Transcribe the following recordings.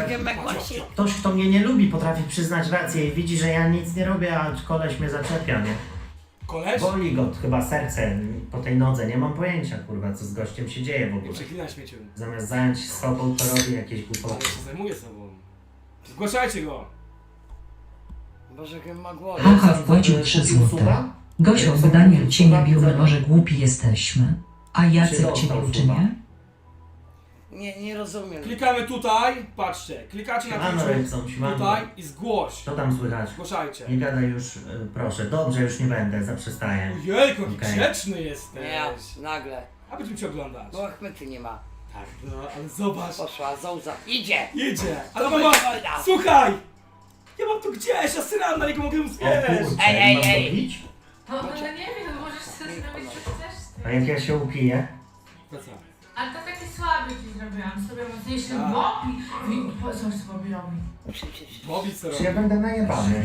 ktoś, kto mnie nie lubi, potrafi przyznać rację i widzi, że ja nic nie robię, a koleś mnie zaczepia, nie? Koleś? Boli go chyba serce po tej nodze, nie mam pojęcia, kurwa, co z gościem się dzieje w Nie ogóle. przeklinaj śmieciu. Zamiast zająć się sobą, to robi jakieś Ale głupoty. się zajmuje sobą. Zgłaszajcie go! Boże, jak ma głowę. Haha, wpłacił 3 złote. Gosiu, by Daniel cię nie bił, my może głupi jesteśmy. A Jacek cię bił, czy nie? Nie rozumiem. Klikamy tutaj, patrzcie, klikacie na Siemano, Twitchu, Rybson, siemano. tutaj i zgłoś. Co tam słychać? Zgłaszajcie. Nie gadaj już, proszę. Dobrze, już nie będę, zaprzestaję. Ojejku, jaki Okej. grzeczny jesteś. Nie, nagle. A będziemy cię oglądać. Bo Achmety nie ma. Tak, no, ale zobacz. Poszła, Zouza. Idzie! Jedzie. Ale To mama, będzie wojna. słuchaj! Ja mam tu gdzieś, ja syram, na niego mogę O zjeść. kurczę, Ej, mam ej. to pić? No, no ja nie wiem, możesz sobie zrobić co chcesz z A tym. jak ja się upiję? No co? Ale to taki słaby ci zrobiłam, sobie mocniejszy Tak. Bobby. Coś z Bobby robi. Bobby co Czy robi? ja będę najebany?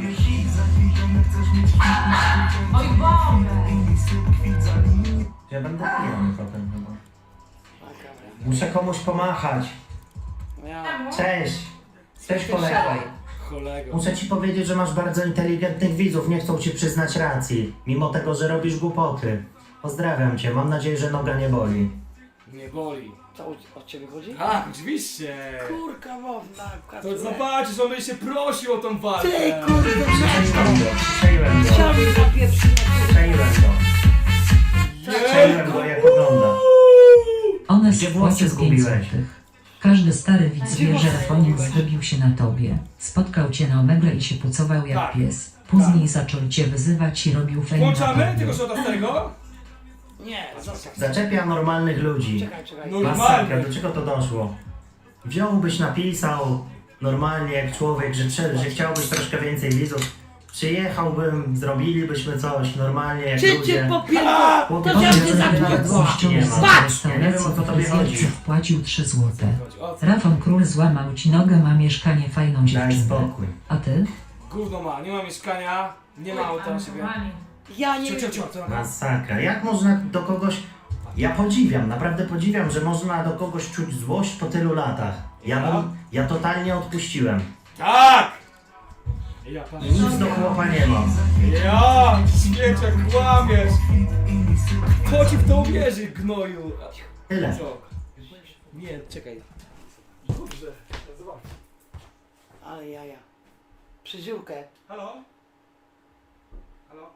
Oj, Bobby! Czy ja będę pijany potem chyba? A, dobra. Muszę komuś pomachać. Ja. Cześć! Cześć kolego. Kolego. Muszę ci powiedzieć, że masz bardzo inteligentnych widzów, nie chcą ci przyznać racji. Mimo tego, że robisz głupoty. Pozdrawiam cię, mam nadzieję, że noga nie boli. Nie boli. Co o ciebie chodzi? Tak, oczywiście. Kurka wodna. To zobaczysz, on będzie się prosił o tą walkę. Ty kurde, Przejłem go. chciałbym zapieprzyć na Przejłem go. Przejłem go, jak ogląda. One Gdzie włosy spłacił 5 zgubiłeś? złotych. Każdy stary widz Gdzie wie, że włosy Rafonik zgubiłeś? zwybił się na tobie. Spotkał cię na omegle i się pucował jak Tak. pies. Później zaczął cię wyzywać i robił fejm na Włączamy tobie. tego szota starego? Nie, zostaw. Zaczepia normalnych ludzi. Czekaj. No. Masakra, Normalnie. do czego to doszło? Wziąłbyś, napisał normalnie jak człowiek, że chciałbyś troszkę więcej widzów. Przyjechałbym, zrobilibyśmy coś normalnie jak Czy cię ludzie. popierdolę? Chłopie, To nie, cię nie, zapłacę. gości nie ma. Patrz! Ja nie wiem, o co tobie chodzi. Fryzjercy wpłacił 3 złote. O co? Rafon Król złamał ci nogę, ma mieszkanie, fajną Daj dziewczynę. spokój. A ty? Gówno ma, nie ma mieszkania, nie ma auta na siebie. Ja nie Cio, co robi? Masakra. Jak można do kogoś... Ja podziwiam, naprawdę podziwiam, że można do kogoś czuć złość po tylu latach. Ja totalnie odpuściłem. Tak! Ja pan. I nic do chłopa nie mam. Ja, śmieciak, kłamiesz! Kto ci w to uwierzy, gnoju? Tyle. Co? Nie, czekaj. Dobrze, zobacz. Ale jaja. Przyziórkę. Halo? Halo?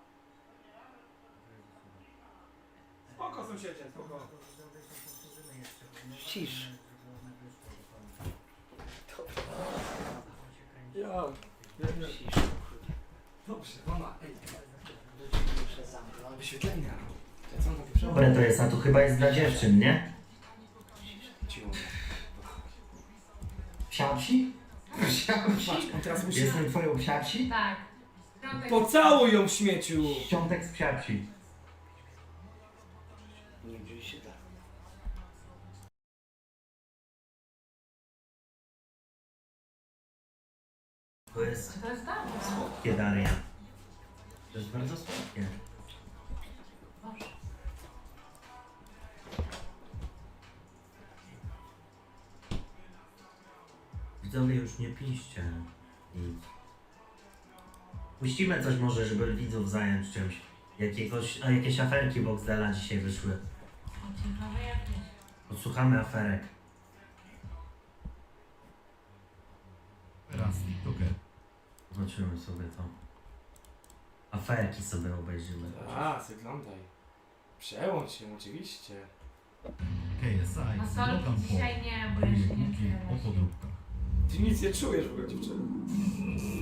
Spoko, sąsiedzie, spoko. Cisz. Ja. Cisz. Dobrze, mama, ej, Muszę zamknąć. wyświetlenia. Co on takie przebrał? Dobre to jest, a tu chyba jest dla dziewczyn, nie? Cicho. Psiapsi? Patrz, on teraz musi... Jestem twoją psiapsi? Tak. Pocałuj ją, śmieciu! Świątek z psiapsi. Nie bój się tak. To jest To jest dobre. słodkie, Daria. To jest bardzo słodkie. Boże. Widzowie, już nie piszcie nic. Puścimy coś może, żeby widzów zająć czymś. Jakieś aferki Boxdela dzisiaj wyszły. Ciekawe jakieś. Odsłuchamy aferek. Teraz TikToker. Zobaczymy sobie to. Aferki sobie obejrzymy. A, zaglądaj. Przełącz się, oczywiście. KSI. A solki Logan dzisiaj Paul. nie, bo ja się nie Filmiki czuję. o podróbkach. Ty nic nie czujesz w ogóle, dziewczyny.